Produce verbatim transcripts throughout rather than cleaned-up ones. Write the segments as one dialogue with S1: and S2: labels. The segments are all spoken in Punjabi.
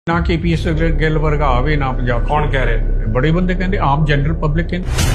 S1: ਨਾ ਕੇਪੀਐਸ ਗਿੱਲ ਵਰਗਾ ਆਵੇ ਨਾ ਪੰਜਾਬ।
S2: ਕੌਣ ਕਹਿ ਰਿਹਾ?
S1: ਬੜੇ ਬੰਦੇ ਕਹਿੰਦੇ ਆਮ ਜਨਰਲ ਪਬਲਿਕ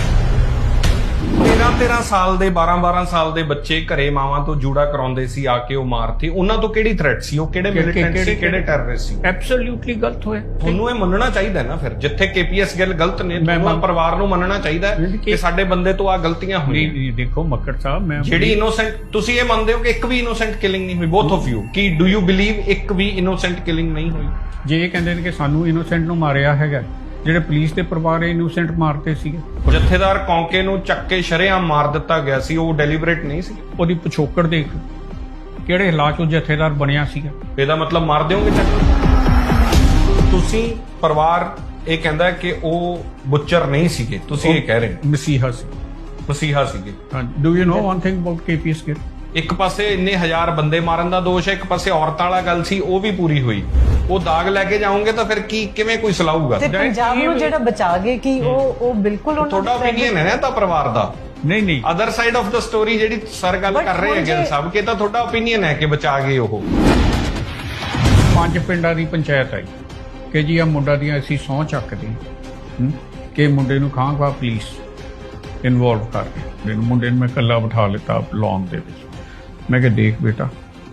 S2: ਤੇਰਾਂ ਤੇਰਾਂ ਸਾਲ ਦੇ ਬਾਰਾਂ ਬਾਰਾਂ ਸਾਲ ਦੇ ਬੱਚੇ ਘਰੇ ਮਾਵਾਂ ਤੋਂ ਜੂੜਾ ਕਰਾਉਂਦੇ ਸੀ, ਆ ਕੇ ਉਹ ਮਾਰਤੇ। ਉਹਨਾਂ ਤੋਂ ਕਿਹੜੀ ਥ੍ਰੈਟ ਸੀ? ਉਹ ਕਿਹੜੇ ਮਿਲੀਟੈਂਟ ਸੀ, ਕਿਹੜੇ ਟੈਰਰਿਸਟ ਸੀ?
S1: ਐਬਸੋਲੂਟਲੀ ਗਲਤ ਹੋਇਆ।
S2: ਤੁਹਾਨੂੰ ਇਹ ਮੰਨਣਾ ਚਾਹੀਦਾ ਨਾ ਫਿਰ, ਜਿੱਥੇ ਕੇਪੀਐਸ ਗਿੱਲ ਗਲਤ ਨੇ ਤੁਹਾਨੂੰ ਪਰਿਵਾਰ ਨੂੰ ਮੰਨਣਾ ਚਾਹੀਦਾ ਕਿ ਸਾਡੇ ਬੰਦੇ ਤੋਂ ਆ ਗਲਤੀਆਂ ਹੋਈਆਂ।
S1: ਨਹੀਂ ਦੇਖੋ ਮੱਕੜ ਸਾਹਿਬ, ਮੈਂ
S2: ਜਿਹੜੀ ਇਨੋਸੈਂਟ, ਤੁਸੀਂ ਇਹ ਮੰਨਦੇ ਹੋ ਕਿ ਇੱਕ ਵੀ ਇਨੋਸੈਂਟ ਕਿਲਿੰਗ ਨਹੀਂ ਹੋਈ? ਬੋਥ ਆਫ ਯੂ, ਕੀ ਡੂ ਯੂ ਬਿਲੀਵ ਇੱਕ ਵੀ ਇਨੋਸੈਂਟ ਕਿਲਿੰਗ ਨਹੀਂ ਹੋਈ?
S1: ਜੇ ਇਹ ਕਹਿੰਦੇ ਨੇ ਕਿ ਸਾਨੂੰ ਇਨੋਸੈਂਟ ਨੂੰ ਮਾਰਿਆ ਹੈਗਾ, ਜਿਹੜੇ ਪੁਲਿਸ ਦੇ ਪਰਿਵਾਰ ਇਨੋਸੈਂਟ ਮਾਰਤੇ ਸੀਗੇ।
S2: ਜਥੇਦਾਰ ਕੌਂਕੇ ਨੂੰ ਚੱਕ ਕੇ ਸ਼ਰੇਆਮ ਮਾਰ ਦਿੱਤਾ ਗਿਆ ਸੀ, ਉਹ ਡੈਲੀਬਰੇਟ ਨਹੀਂ ਸੀ?
S1: ਉਹਦੀ ਪਿਛੋਕੜ ਦੇਖ, ਕਿਹੜੇ ਹਾਲਾਤ 'ਚ ਜਥੇਦਾਰ ਬਣਿਆ ਸੀਗਾ।
S2: ਇਹਦਾ ਮਤਲਬ ਮਾਰ ਦਿਓਗੇ ਚੱਕ? ਤੁਸੀਂ ਪਰਿਵਾਰ ਇਹ ਕਹਿੰਦਾ ਕਿ ਉਹ ਬੁੱਚਰ ਨਹੀਂ ਸੀਗੇ, ਤੁਸੀਂ ਇਹ ਕਹਿ ਰਹੇ ਹੋ
S1: ਮਸੀਹਾ ਸੀ,
S2: ਮਸੀਹਾ ਸੀਗੇ।
S1: Do you know one thing about KPS Gill?
S2: ਇੱਕ ਪਾਸੇ ਇੰਨੇ ਹਜ਼ਾਰ ਬੰਦੇ ਮਾਰਨ ਦਾ ਦੋਸ਼ ਹੈ, ਇੱਕ ਪਾਸੇ ਔਰਤਾਂ ਵਾਲਾ ਗੱਲ ਸੀ, ਉਹ ਵੀ ਪੂਰੀ ਹੋਈ। ਉਹ ਦਾਗ ਲੈ ਕੇ ਜਾਓਗੇ ਤਾਂ ਫਿਰ ਕੀ, ਕਿਵੇਂ ਕੋਈ ਸਲਾਊਗਾ?
S3: ਤੇ ਪੰਜਾਬ ਨੂੰ ਜਿਹੜਾ ਬਚਾ ਗਏ ਕਿ ਉਹ ਉਹ ਬਿਲਕੁਲ ਉਹਨਾਂ
S2: ਤੁਹਾਡਾ ਓਪੀਨੀਅਨ ਹੈ ਨਾ ਤਾਂ ਪਰਿਵਾਰ ਦਾ?
S1: ਨਹੀਂ ਨਹੀਂ,
S2: other side of the story ਜਿਹੜੀ ਸਰ ਗੱਲ ਕਰ ਰਹੇ ਹੈਗੇ ਸਭ ਕੇ, ਤਾਂ ਤੁਹਾਡਾ ਓਪੀਨੀਅਨ ਹੈ ਕਿ ਬਚਾ ਗਏ ਉਹ।
S1: ਪੰਜ ਪਿੰਡਾਂ ਦੀ ਪੰਚਾਇਤ ਆਈ ਕਿ ਜੀ ਆ ਮੁੰਡਾ ਦੀਆਂ ਅਸੀਂ ਸਹੁੰ ਚੱਕਦੇ ਹਾਂ ਕਿ ਮੁੰਡੇ ਨੂੰ ਖਾਂ ਖਾ ਪੁਲਿਸ ਇਨਵੋਲਵ ਕਰਕੇ। ਮੁੰਡੇ ਨੂੰ ਮੈਂ ਇਕੱਲਾ ਬਿਠਾ ਲਿੱਤਾ ਲੌਨ ਦੇ ਵਿੱਚ। ਮੈਂ ਕਿਹਾ ਦੇਖ ਬੇਟਾ,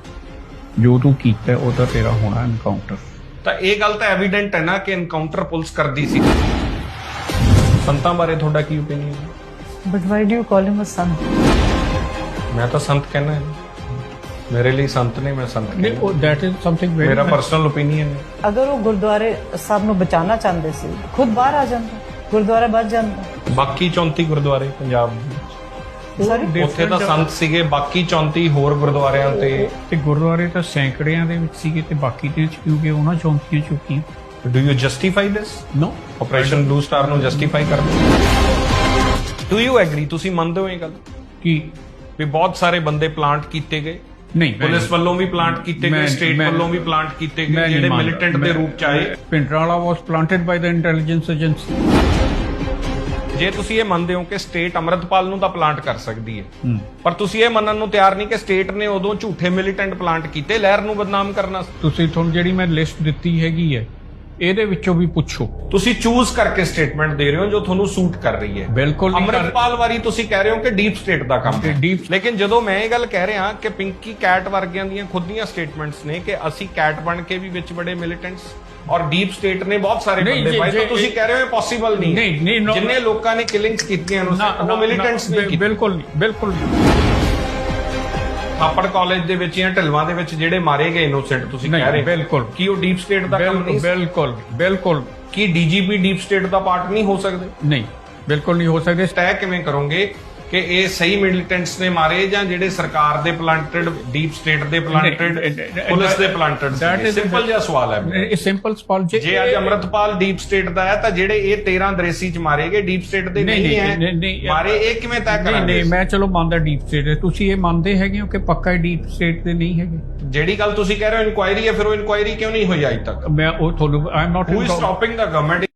S1: ਜੋ ਤੂੰ ਕੀਤਾ ਉਹ ਤਾਂ ਤੇਰਾ ਹੋਣਾ ਐਨਕਾਊਂਟਰ।
S2: ਤਾਂ ਇਹ ਗੱਲ ਤਾਂ ਐਵੀਡੈਂਟ ਹੈ ਨਾ ਕਿ ਐਨਕਾਊਂਟਰ ਪੁਲਿਸ ਕਰਦੀ ਸੀ। ਸੰਤਾਂ ਬਾਰੇ ਤੁਹਾਡਾ ਕੀ ਓਪੀਨੀਅਨ ਹੈ?
S3: But why do you call him a sant?
S2: ਮੈਂ ਤਾਂ ਸੰਤ ਕਹਿਣਾ ਹੈ, ਮੇਰੇ ਲਈ ਸੰਤ ਨਹੀਂ, ਮੈਂ ਸੰਤ
S1: ਨਹੀਂ, ਉਹ ਦੈਟ ਇਜ਼ ਸਮਥਿੰਗ ਵੈਰੀ,
S2: ਮੇਰਾ ਪਰਸਨਲ ਓਪੀਨੀਅਨ ਹੈ।
S3: ਅਗਰ ਉਹ ਗੁਰਦੁਆਰੇ ਸਾਹਿਬ ਨੂੰ ਬਚਾਉਣਾ ਚਾਹੁੰਦੇ ਸੀ, ਖੁਦ ਬਾਹਰ ਆ ਜਾਂਦਾ, ਗੁਰਦੁਆਰਾ ਬਚ ਜਾਂਦਾ।
S2: ਬਾਕੀ ਚੌਂਤੀ ਗੁਰਦੁਆਰੇ ਪੰਜਾਬ ਦੇ
S3: Sorry?
S2: ਉੱਥੇ ਤਾਂ ਸੰਤ ਸੀਗੇ, ਬਾਕੀ ਚੌਂਤੀ ਹੋਰ ਗੁਰਦੁਆਰਿਆਂ ਤੇ
S1: ਤੇ ਗੁਰਦੁਆਰੇ ਤਾਂ ਸੈਂਕੜਿਆਂ ਦੇ ਵਿੱਚ ਸੀਗੇ ਤੇ ਬਾਕੀ ਦੇ ਕਿਉਂਕਿ ਉਹਨਾਂ ਚੌਂਕੀਆਂ ਚੁੱਕੀਆਂ।
S2: Do you justify this?
S1: No,
S2: Operation Blue Star ਨੂੰ ਜਸਟੀਫਾਈ ਕਰਦੇ? Do you agree? ਤੁਸੀਂ ਮੰਨਦੇ ਹੋ ਇਹ ਗੱਲ
S1: ਕੀ
S2: ਵੀ ਬਹੁਤ ਸਾਰੇ ਬੰਦੇ ਪਲਾਂਟ ਕੀਤੇ ਗਏ?
S1: ਨਹੀਂ,
S2: ਪੁਲਿਸ ਵੱਲੋਂ ਵੀ ਪਲਾਂਟ ਕੀਤੇ ਗਏ, ਸਟੇਟ ਵੱਲੋਂ ਵੀ ਪਲਾਂਟ ਕੀਤੇ ਗਏ, ਜਿਹੜੇ ਮਿਲੀਟੈਂਟ ਦੇ ਰੂਪ ਚ ਆਏ।
S1: ਪਿੰਡਰਾਲਾ was planted by the intelligence agency.
S2: ਜੇ ਤੁਸੀਂ ਇਹ ਮੰਨਦੇ ਹੋ ਕਿ ਸਟੇਟ ਅੰਮ੍ਰਿਤਪਾਲ ਨੂੰ ਤਾਂ ਪਲਾਂਟ ਕਰ ਸਕਦੀ ਹੈ, ਪਰ ਤੁਸੀਂ ਇਹ ਮੰਨਣ ਨੂੰ ਤਿਆਰ ਨਹੀਂ ਕਿ ਸਟੇਟ ਨੇ ਉਦੋਂ ਝੂਠੇ ਮਿਲੀਟੈਂਟ ਪਲਾਂਟ ਕੀਤੇ ਲਹਿਰ ਨੂੰ ਬਦਨਾਮ ਕਰਨਾ।
S1: ਤੁਸੀਂ ਤੁਹਾਨੂੰ ਜਿਹੜੀ ਮੈਂ ਲਿਸਟ ਦਿੱਤੀ ਹੈਗੀ ਹੈ ਇਹਦੇ ਵਿੱਚੋਂ ਵੀ ਪੁੱਛੋ।
S2: ਤੁਸੀਂ ਚੂਜ਼ ਕਰਕੇ ਸਟੇਟਮੈਂਟ ਦੇ ਰਹੇ ਹੋ ਜੋ ਤੁਹਾਨੂੰ ਸੂਟ ਕਰ ਰਹੀ ਹੈ।
S1: ਬਿਲਕੁਲ
S2: ਅੰਮ੍ਰਿਤਪਾਲ ਵਾਰੀ ਤੁਸੀਂ ਕਹਿ ਰਹੇ ਹੋ ਕਿ ਡੀਪ ਸਟੇਟ ਦਾ ਕੰਮ ਹੈ।
S1: ਡੀਪ
S2: ਲੇਕਿਨ ਜਦੋਂ ਮੈਂ ਇਹ ਗੱਲ ਕਹਿ ਰਿਹਾ ਕਿ ਪਿੰਕੀ ਕੈਟ ਵਰਗਿਆਂ ਦੀਆਂ ਖੁਦ ਦੀਆਂ ਸਟੇਟਮੈਂਟਸ ਨੇ ਕਿ ਅਸੀਂ ਕੈਟ ਬਣ ਕੇ ਵੀ ਵਿੱਚ ਬੜੇ ਮਿਲੀਟੈਂਟਸ ਔਰ ਡੀਪ ਸਟੇਟ ਨੇ ਬਹੁਤ ਸਾਰੇ ਬੰਦੇ ਪਾਏ, ਤਾਂ ਤੁਸੀਂ ਕਹਿ ਰਹੇ ਹੋ ਪੋਸੀਬਲ ਨਹੀਂ।
S1: ਨਹੀਂ ਨਹੀਂ,
S2: ਜਿੰਨੇ ਲੋਕਾਂ ਨੇ ਕਿਲਿੰਗਸ ਕੀਤੀਆਂ ਉਹ ਮਿਲੀਟੈਂਟਸ ਨੇ ਕੀਤੀਆਂ।
S1: ਬਿਲਕੁਲ ਨਹੀਂ, ਬਿਲਕੁਲ ਨਹੀਂ।
S2: ਥਾਪੜ ਕਾਲਜ ਦੇ ਵਿੱਚ ਜਾਂ ਢਲਵਾਂ ਦੇ ਵਿੱਚ ਜਿਹੜੇ ਮਾਰੇ ਗਏ ਇਨੋਸੈਂਟ ਤੁਸੀਂ ਕਹਿ ਰਹੇ ਹੋ,
S1: ਬਿਲਕੁਲ,
S2: ਕੀ ਉਹ ਡੀਪ ਸਟੇਟ ਦਾ ਕੰਮ ਨਹੀਂ?
S1: ਬਿਲਕੁਲ ਬਿਲਕੁਲ।
S2: ਕੀ ਡੀਜੀਪੀ ਡੀਪ ਸਟੇਟ ਦਾ ਪਾਰਟ ਨਹੀਂ ਹੋ ਸਕਦੇ?
S1: ਨਹੀਂ, ਬਿਲਕੁਲ ਨਹੀਂ ਹੋ ਸਕਦੇ।
S2: ਤੈਅ ਕਿਵੇਂ ਕਰੋਗੇ ਕਿ ਇਹ ਸਹੀ ਮਿਲੀਟੈਂਟਸ ਨੇ ਮਾਰੇ ਜਾਂ ਜਿਹੜੇ ਸਰਕਾਰ ਦੇ ਪਲਾਂਟਡ, ਡੀਪ ਸਟੇਟ ਦੇ ਪਲਾਂਟਡ, ਪੁਲਿਸ ਦੇ ਪਲਾਂਟਡ? ਸਿੰਪਲ ਜਿਹਾ ਸਵਾਲ ਹੈ
S1: ਇਹ, ਸਿੰਪਲ ਸਵਾਲ।
S2: ਜੇ ਅੱਜ ਅੰਮ੍ਰਿਤਪਾਲ ਡੀਪ ਸਟੇਟ ਦਾ ਹੈ ਤਾਂ ਜਿਹੜੇ ਇਹ ਤੇਰਾਂ ਦਰੇਸੀ ਚ ਮਾਰੇ ਗਏ ਡੀਪ ਸਟੇਟ ਦੇ ਨਹੀਂ ਹੈ ਮਾਰੇ, ਇਹ ਕਿਵੇਂ ਤੈਅ ਕਰਾਂਗੇ?
S1: ਨਹੀਂ, ਮੈਂ ਚਲੋ ਮੰਨਦਾ ਡੀਪ ਸਟੇਟ ਹੈ, ਤੁਸੀਂ ਇਹ ਮੰਨਦੇ ਹੈਗੇ ਹੋ ਕਿ ਪੱਕਾ ਡੀਪ ਸਟੇਟ ਦੇ ਨਹੀਂ ਹੈਗੇ?
S2: ਜਿਹੜੀ ਗੱਲ ਤੁਸੀਂ ਕਹਿ ਰਹੇ ਹੋ ਇਨਕੁਆਇਰੀ ਹੈ, ਫਿਰ ਉਹ ਇਨਕੁਆਇਰੀ ਕਿਉਂ ਨਹੀਂ ਹੋਈ ਅਜੇ ਤੱਕ?
S1: ਮੈਂ ਉਹ ਤੁਹਾਨੂੰ I am not
S2: who is stopping the government